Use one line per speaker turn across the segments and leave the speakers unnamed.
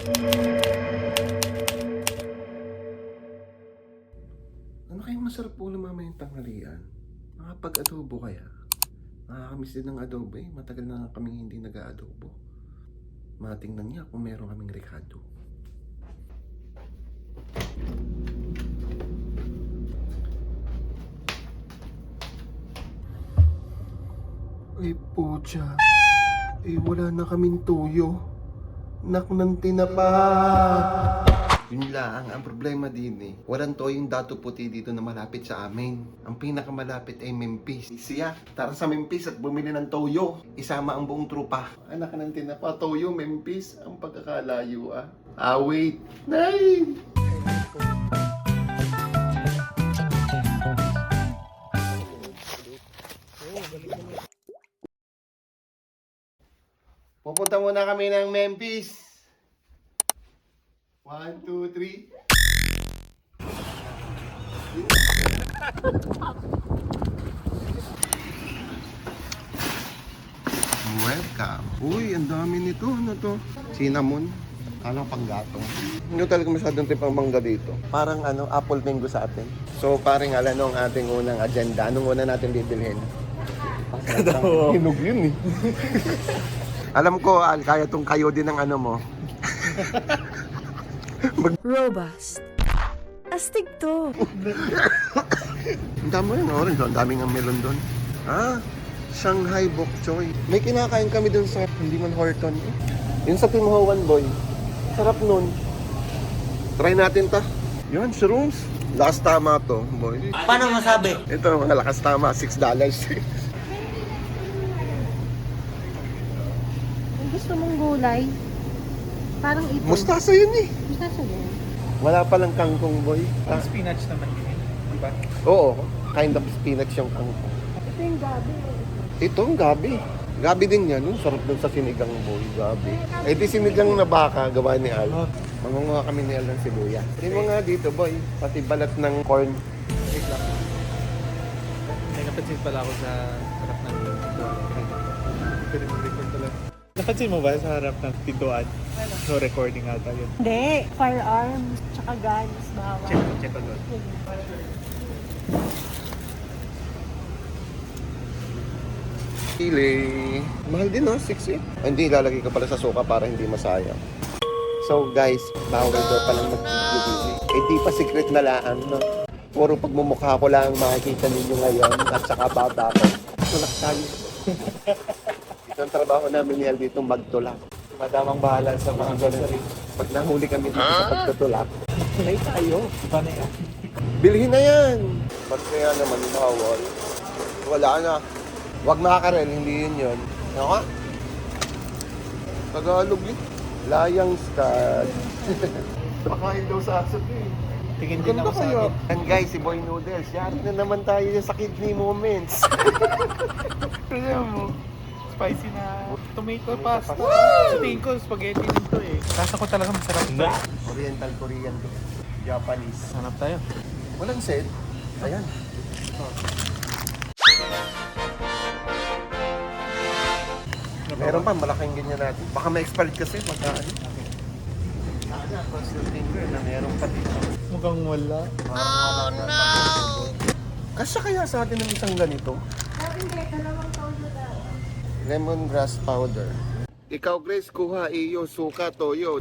Ano kayang masarap po na mamayang tanghalian? Makapag-adobo kaya? Nakakamiss din ng adobo eh. Matagal na kaming hindi nag-aadobo. Matingnan niya kung meron kaming rekado. Ay pucha. Eh wala na kaming tuyo. Nak ng tinapa. Yun lang, ang problema din eh. Walang toyong dato puti dito na malapit sa amin. Ang pinakamalapit ay Memphis. Siya, tara sa Memphis at bumili ng toyo. Isama ang buong trupa. Anak ng tinapa, toyo, Memphis. Ang pagkakalayo ah. Ah, wait. Nay! Pupunta muna kami ng Memphis. 1, 2, 3. Welcome. Uy, ang dami nito. Ano to? Cinnamon. Alang panggatong. Hindi talaga masyadong trip ang mangga dito. Parang apple mango sa atin. So, parang ang ating unang agenda. Anong una natin bibilhin? Hinog yun eh. Alam ko, Al, kaya tong kayo din ng mo.
Robust. Astig to.
Ang dami rin orange. Ang daming ang melon doon. Ah, Shanghai Bok Choy. May kinakain kami doon sa hindi man Horton eh. Yun sa Tim Ho Wan Boy. Sarap nun. Try natin ta. Yun, shrooms. Lakas tama to, boy.
Paano masabi?
Ito, mga lakas tama. $6.
Gusto mong gulay? Parang ito.
Mustasa yun eh.
Mustasa din.
Wala palang kangkong, boy. Ah,
Spinach naman din, di ba?
oo, kind of spinach yung kangkong.
Ito yung gabi.
Ito, ang gabi. Gabi din yan. Sarap dun sa sinigang, boy. Gabi. Eh di sinigang na baka, gawa ni Al. Mangunguha kami ni Al ng sibuyas. Hindi mo nga dito, boy. Pati balat ng corn.
Wait lang. May napansin pala ako sa harap ng pintuan. Pwede mo record pala. Napansin mo ba sa harap ng pintuan? No recording ata yun.
Hindi. Firearms. Tsaka guns. Bawal.
Check ko doon.
Chile. Mahal din, no? 6 eh. Hindi, ilalagay ko pala sa suka para hindi masayang. So, guys, bawal daw palang mag-video. Eh, di pa secret na laan, no? Puro pagmumukha ko lang makikita ninyo ngayon at saka baba ko. Tulak tayo. Ito ang trabaho namin ni Al dito, magtulak.
Madamang bahala sa mga ganun.
Pag nahuli kami dito sa pagtutulak, may tayo.
Iba na yan.
Bilhin na yan! Ba't kaya naman bawal? Wala na. Huwag makakarel, hindi yun. Ano ka? Tagalog eh. Layang stud. Pakain daw sa asap eh.
Tingin din ako sa akin.
And guys, si Boy Noodles, yari na naman tayo sa kidney moments.
Kaya mo, spicy na tomato pasta. Sa tingin ko, spaghetti nito eh. Kasa ko talaga masarap ito.
Oriental Korean to. Japanese.
Hanap tayo.
Walang set. Ayan. Meron pa, malaking ganyan natin. Baka ma-expired kasi pagka Sana, cross your finger na meron pa dito.
Mukhang wala.
Oh no! Kasya kaya sa atin ng isang ganito?
Hindi. Dalawang toyo daw.
Lemongrass powder. Ikaw, Grace, kuha iyo, suka, toyo.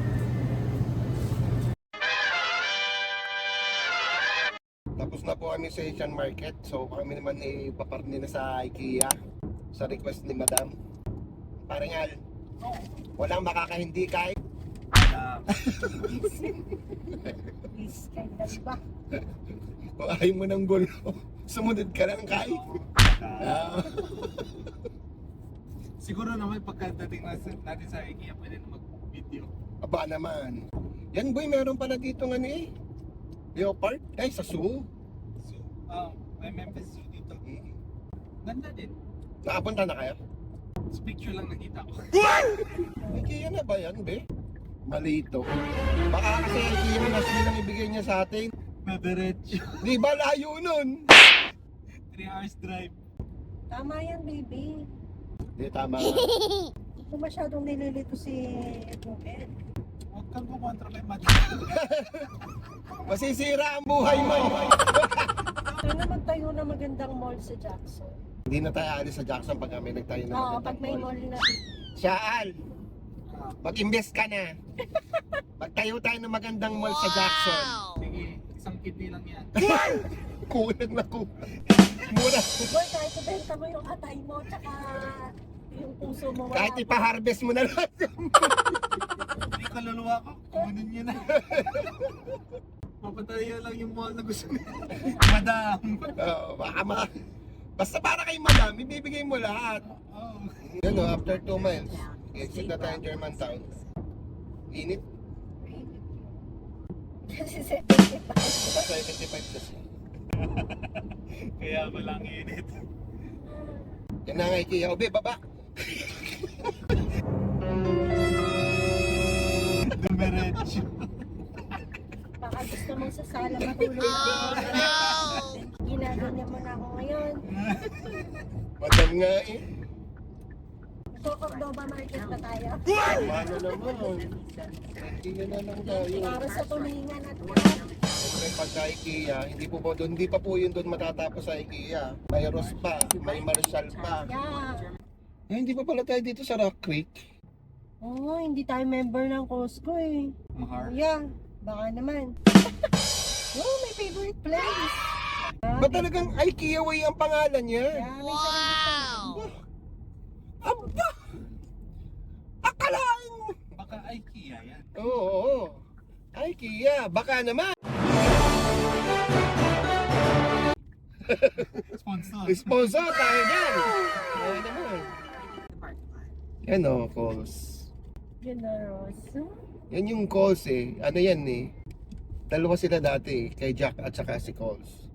Tapos na po kami sa Asian Market. So kami naman ipapartner na sa IKEA. Sa request ni Madam. Paringal, walang makakahindi kahit.
Ba?
Kung ayaw mo ng gulo, sumunod ka lang kahit.
Siguro naman pagkadating natin sa IKEA, pwede na mag-video.
Aba naman. Yan boy, meron pala dito nga eh. Leopard? Ay, sa zoo.
So, may Memphis Zoo dito. Ganda din.
Nakapunta na kayo?
Sa picture lang nakita ko.
IKEA na ba yan, be? Malito. Baka kasi IKEA na mas lang ibigay niya sa atin.
Madiretso.
Di ba layo nun?
3 hours drive.
Tama yan, baby.
Di, tama.
Kung masyadong nililito si Ruben.
Huwag kang kumontra kay Mad.
Masisira ang buhay mo.
Sana magtayo na magandang mall sa Jackson.
Hindi na tayo alis sa Jackson pag may nagtayo na
Oo,
magandang
pag may
mall.
mall na.
Siya, Al, mag-invest ka na. Pagtayo tayo ng magandang mall sa Jackson.
Sige, isang kidney lang yan.
Kulang na kulang. Mura.
Boy, kahit ibenta mo yung atay mo, tsaka yung puso mo. wala
Kahit
pa.
ipa-harvest mo na lang.
Hindi kaluluwa ko, kunin niyo na. Papatayo lang yung mall na gusto niya. Madam.
Baka basta para kay madam, ibibigay mo lahat.
Oh.
Yan o, after 2 miles, exit na tayo Germantown. Init.
Kasi 75.
75 kasi.
Kaya walang init.
Yan na nga IKEA. Obe, baba.
Dumiretso.
Baka gusto mong sasala matulog. Ginaganyan mo na ako ngayon.
Madam nga eh.
Cordoba Market na tayo.
Ano naman. IKEA na lang tayo.
Para sa tulingan at
Siyempre pagka IKEA, hindi pa po yun doon matatapos sa IKEA. May Ross pa, may Marshall pa.
yeah.
Eh, hindi pa pala tayo dito sa Rock Creek.
Oo, hindi tayo member ng Costco eh.
Mahar.
Yeah, baka naman. Oh, my favorite place.
Ba't talagang IKEA way ang pangalan niya?
Yeah, may sarili
Aba! Akalain mo!
Baka IKEA yan.
Oo. IKEA, baka naman.
Sponsor.
Sponsor tayo dyan. Kaya naman. Yan o, calls.
Generous.
Yan yung calls eh. Ano yan eh. Dalawa sila dati eh. Kay Jack at saka si Calls.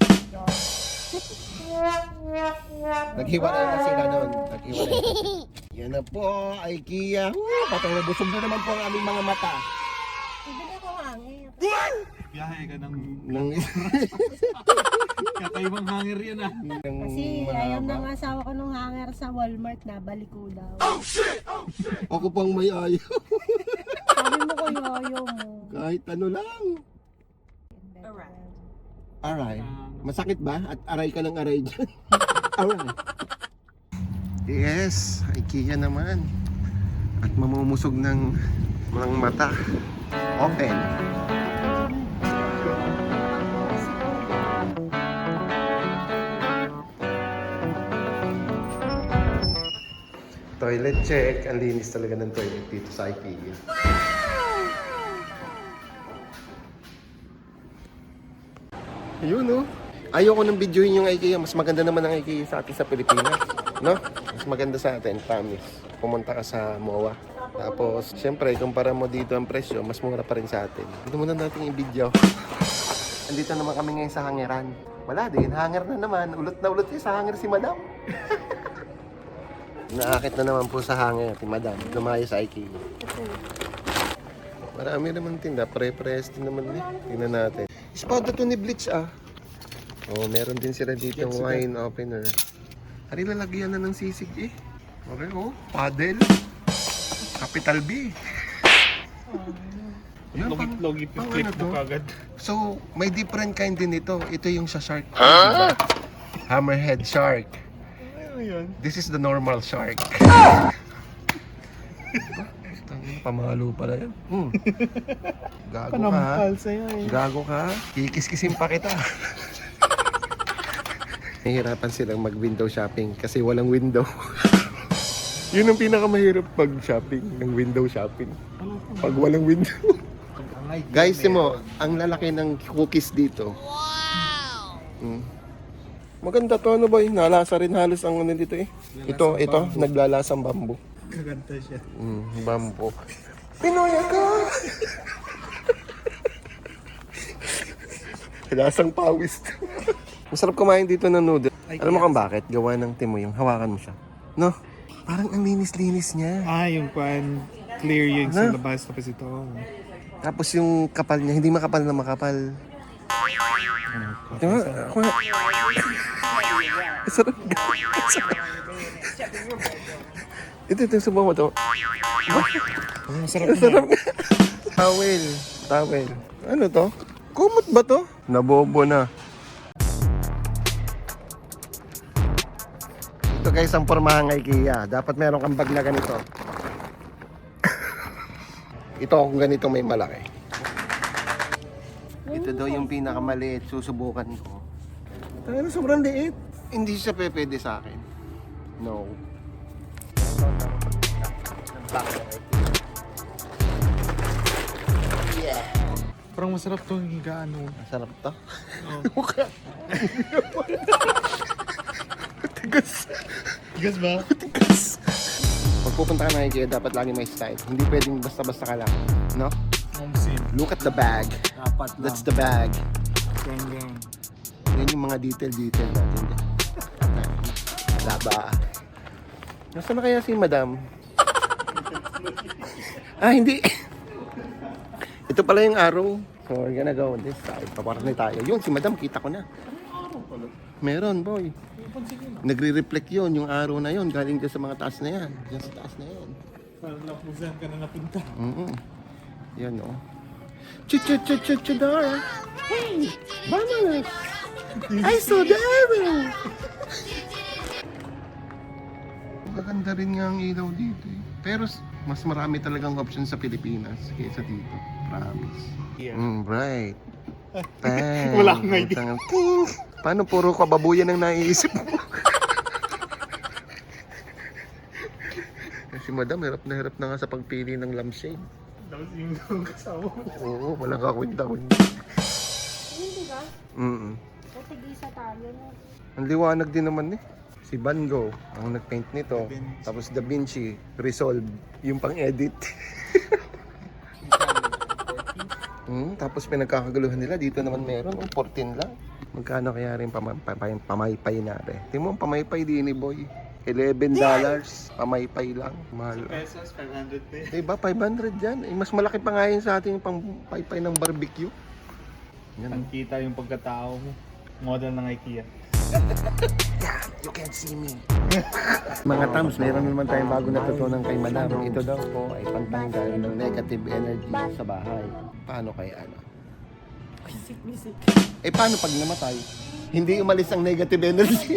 Naghiwalay na sila noon. Naghiwalay na. Yan na po, IKEA. Patang nabusog na naman po ang aming mga mata.
Ibigay ko hangin.
Biyahe ka ng
Nang,
kakaibang hanger yan ah.
Kasi ayaw ng asawa ko nung hanger sa Walmart na balik ko daw.
Ako pang may ayaw.
Sabi mo ko yoyo mo.
Kahit ano lang. Aray. Masakit ba? At aray ka ng aray dyan. Aray. Yes, IKEA naman. At mamumusog ng mga mata. Open. Toilet check. Ang linis talaga ng toilet dito sa IKEA. Ayun no. Ayoko ng videoin yung IKEA. Mas maganda naman ang IKEA sa atin sa Pilipinas. No? Mas maganda sa atin, promise. Pumunta ka sa MOA. Tapos, syempre, kumpara mo dito ang presyo, mas mura pa rin sa atin. Dito muna natin yung video. Andito naman kami ngayon sa hangeran. Wala din, hanger na naman. Ulot na ulot sa hanger si Madam. Naakit na naman po sa hanger si Madam. Lumayo sa IKEA. Marami naman tinda. Pre-press din naman eh. Tingnan natin. Espada to ni Bleach ah. Oh, meron din sila dito wine opener. Hari lalagyan na ng sisig eh. Okay oh, paddle. Capital B. Ano,
Logi
pang
click
ano to?
mo kagad.
So, may different kind din ito. Ito yung sa shark. Diba? Hammerhead shark.
Ano yun?
This is the normal shark. Pamalo pala yan. Gago ka ha.
Sa'yo eh.
Gago ka. Kikis-kisin pa kita. Nahihirapan silang mag-window shopping kasi walang window. Yun ang pinakamahirap pag-shopping, ng window shopping. Pag walang window. Guys, mo, ang lalaki ng cookies dito. Wow! Maganda to, ano boy? Nalasa rin halos ang ano dito eh. Ito, naglalasang bamboo.
Gaganta siya.
Bamboo. Pinoy ka! Lasang pawis. Masarap kumain dito ng noodle. Alam mo kung bakit? Gawa ng timo yung hawakan mo siya. No? Parang ang linis-linis niya.
Ah, yung pan clear yung sa
Ano?
labas tapos ito.
Tapos yung kapal niya, hindi makapal na makapal. Diba? Ako nga. Sarap. Ito, subukan mo ito.
Masarap
Sarap. Towel. Towel. Ano to? Kumot ba to? Nabobo na. Ito guys ang pormahan ng IKEA. Dapat meron kang bag na ganito. Ito kung ganito may malaki. Ito daw yung pinakamaliit. Susubukan ko. Ano sobrang liit. Hindi siya pwede sa akin. No.
Parang masarap tong higaan mo.
Masarap to.
Oh.
Tigas.
Tigas ba?
Tigas. Pag pupunta ka ng IKEA, dapat lagi may style. Hindi pwedeng basta-basta ka lang. No?
Momsin.
Look at the bag.
Dapat lang.
That's the bag.
Gang gang.
Yan yung mga detail natin. Laba. Nasaan na kaya si madam? Hindi. Ito pala yung arrow. So we're gonna go on this side. Paparni tayo. Yun, si madam, kita ko na. Meron, boy. Nagre-reflect yun, yung arrow na yun. Galing dyan sa mga taas na yan. Dyan sa taas na yan.
Parang napusan ka na napunta.
Yan, o. Chudara. Hey! Vamos! I saw the arrow! Maganda rin nga ang ilaw dito eh. Pero mas marami talagang option sa Pilipinas kaysa dito. Promise.
Yeah.
Right. Bang.
Wala akong idea.
Ting. Paano puro kababuyan ang naiisip mo? Si madam, hirap na nga sa pagpili ng lampshade.
Tapos yung kasama mo.
Oo, walang kakwinta-kwinta.
Hindi ba? O tig-isa tayo no?
Ang liwanag din naman eh. Si Van Gogh ang nag-paint nito.
Da Vinci.
Tapos Da Vinci, Resolve, yung pang-edit. Tapos pinagkakaguluhan nila. Dito naman meron, 14 lang. Magkano kaya rin pamaypay na rin? Tingnan mo, pamaypay din ni boy. $11. Pamaypay lang. Mahal.
Pesos, 500 pe.
Diba, 500 yan. Eh, mas malaki pa nga yun sa ating pang-paypay ng barbecue. Yan.
Pagkita yung pagkatao mo. Model ng IKEA.
Yeah, you can't see me. Mga tams, mayroon naman tayong bago natutunan kay madam. Ito daw po ay pantanggal ng negative energy sa bahay. Paano kaya ano? Paano pag namatay? Hindi umalis ang negative energy.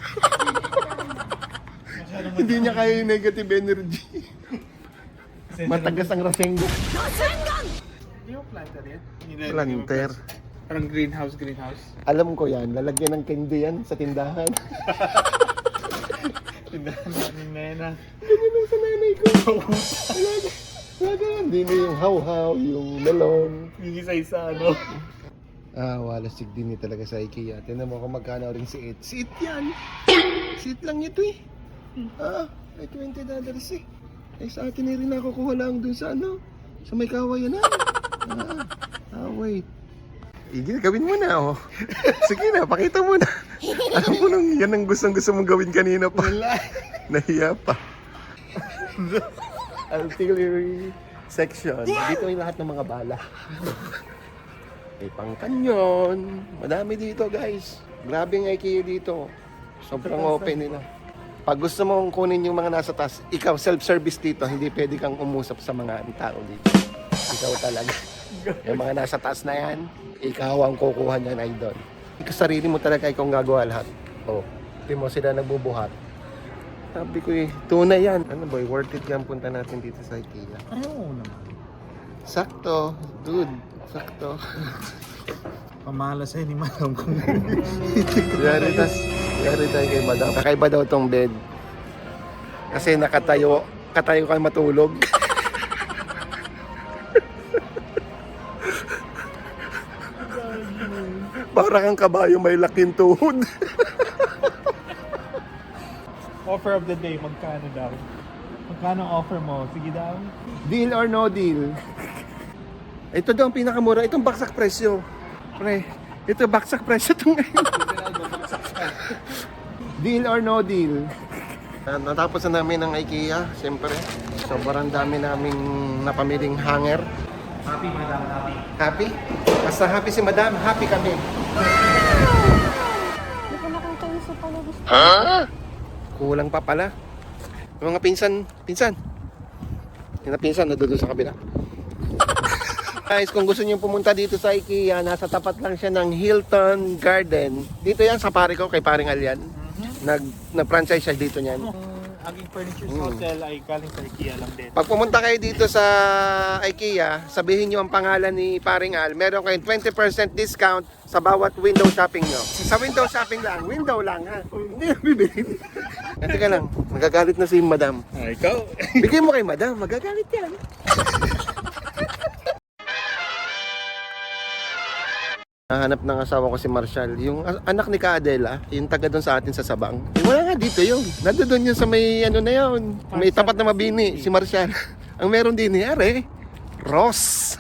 Hindi niya kaya yung negative energy. Matagas ang Rasengan.
Hindi mo planter yan?
Planter.
Parang greenhouse.
Alam ko yan, lalagyan ng candy yan sa tindahan.
Tindahan namin nena.
Ganyan lang sa nanay ko. Lagi hindi na yung how-how, yung melon.
Yung isa-isa ano.
Walasig din talaga sa IKEA. Tignan mo kung magkano rin si It. Si It yan. Si It lang ito eh. Ay $20 eh. Ay sa atin rin nakukuha lang dun sa ano. Sa may kawayan na. Wait. Gawin mo na oh. Sige na, pakita mo na. Alam mo nung yan ang gusto mong gawin kanina pa. Nahiya pa. Artillery section. Dito ay lahat ng mga bala. May pang kanyon. Madami dito guys. Grabe ang IKEA dito. Sobrang open nila. Pag gusto mong kunin yung mga nasa taas, ikaw self-service dito. Hindi pwede kang umusap sa mga tao dito. Ikaw talaga. Yung mga nasa taas na yan, ikaw ang kukuha niyan, idol. Ikaw sarili mo talaga, ikaw ang gagawa lahat. Hindi mo sila nagbubuhat. Sabi ko tunay yan. Ano boy, worth it yan punta natin dito sa IKEA.
Ayaw naman.
Sakto, dude. Sakto.
Pamala sa'yo ni madam kung
Yari tayo kay madam. Kakaiba daw tong bed. Kasi katayo kayo matulog. Para kang kabayo may laking tuhod.
offer of the day, magkano daw? Magkano ang offer mo? Sige daw.
Deal or no deal? Ito daw ang pinakamura. Itong baksak presyo. Pre, ito baksak presyo ito ngayon. Deal or no deal? Natapos na namin ang IKEA, siyempre. Sobrang dami naming napamiling hanger.
Happy, madam. Happy.
Happy? Basta happy si madam, happy kami.
Hindi ko nakita yung sa pala gusto.
Kulang pa pala. Yung mga pinsan. Yung pinsan, nandun sa kabila. Guys, kung gusto niyo pumunta dito sa IKEA, nasa tapat lang siya ng Hilton Garden. Dito yan sa pare ko, kay paring Alyan. Nag-franchise siya dito niyan.
Ang aking furniture sa hotel ay galing sa IKEA lang din.
Pag pumunta kayo dito sa IKEA, sabihin niyo ang pangalan ni paring Al. Meron kayong 20% discount sa bawat window shopping nyo. Sa window shopping lang, window lang ha. Hindi na bibili. Teka lang, magagalit na si madam.
Ikaw?
Bigay mo kay madam, magagalit yan. Nahanap ng asawa ko si Marshall, yung anak ni Ka Adela, yung taga doon sa atin sa Sabang. Wala nga dito yun. Nando doon yun sa may ano na yun. May tapat na Mabini, si Marshall. Ang meron din ni Are, Ross.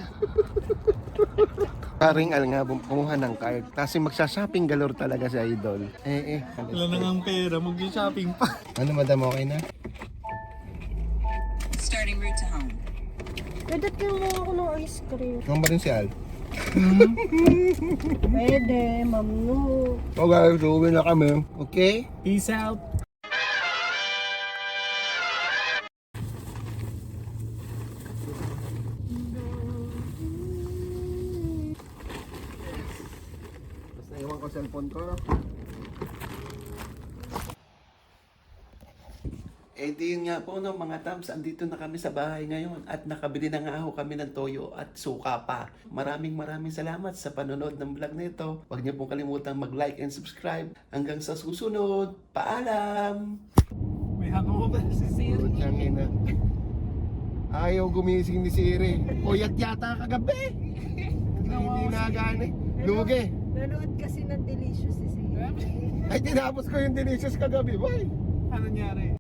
Paring Al nga, kumuha ng card. Kasi magsha-shopping galore talaga si Idol.
Wala na nga pera, mag-shopping pa.
Ano madam, okay na?
Starting route to home.
Pwede kayo mo ako ng ice cream.
Ikaw ba rin si Al?
Pwede, mamnu.
So guys, uwi na kami. Okay?
Peace out.
Basta iwan ko cellphone ko. Eh di yun nga po no, mga tams, andito na kami sa bahay ngayon at nakabili na nga ako kami ng toyo at suka pa. Maraming salamat sa panonood ng vlog na ito. Huwag niyo pong kalimutang mag-like and subscribe. Hanggang sa susunod, paalam!
May hangover pa si Siri.
Ayaw gumising ni Siri. Puyat yata kagabi. Hindi na gani. Lugi.
Nanood kasi ng Delicious si Siri.
Ay, tinapos ko yung delicious kagabi. Boy!
Ano nangyari?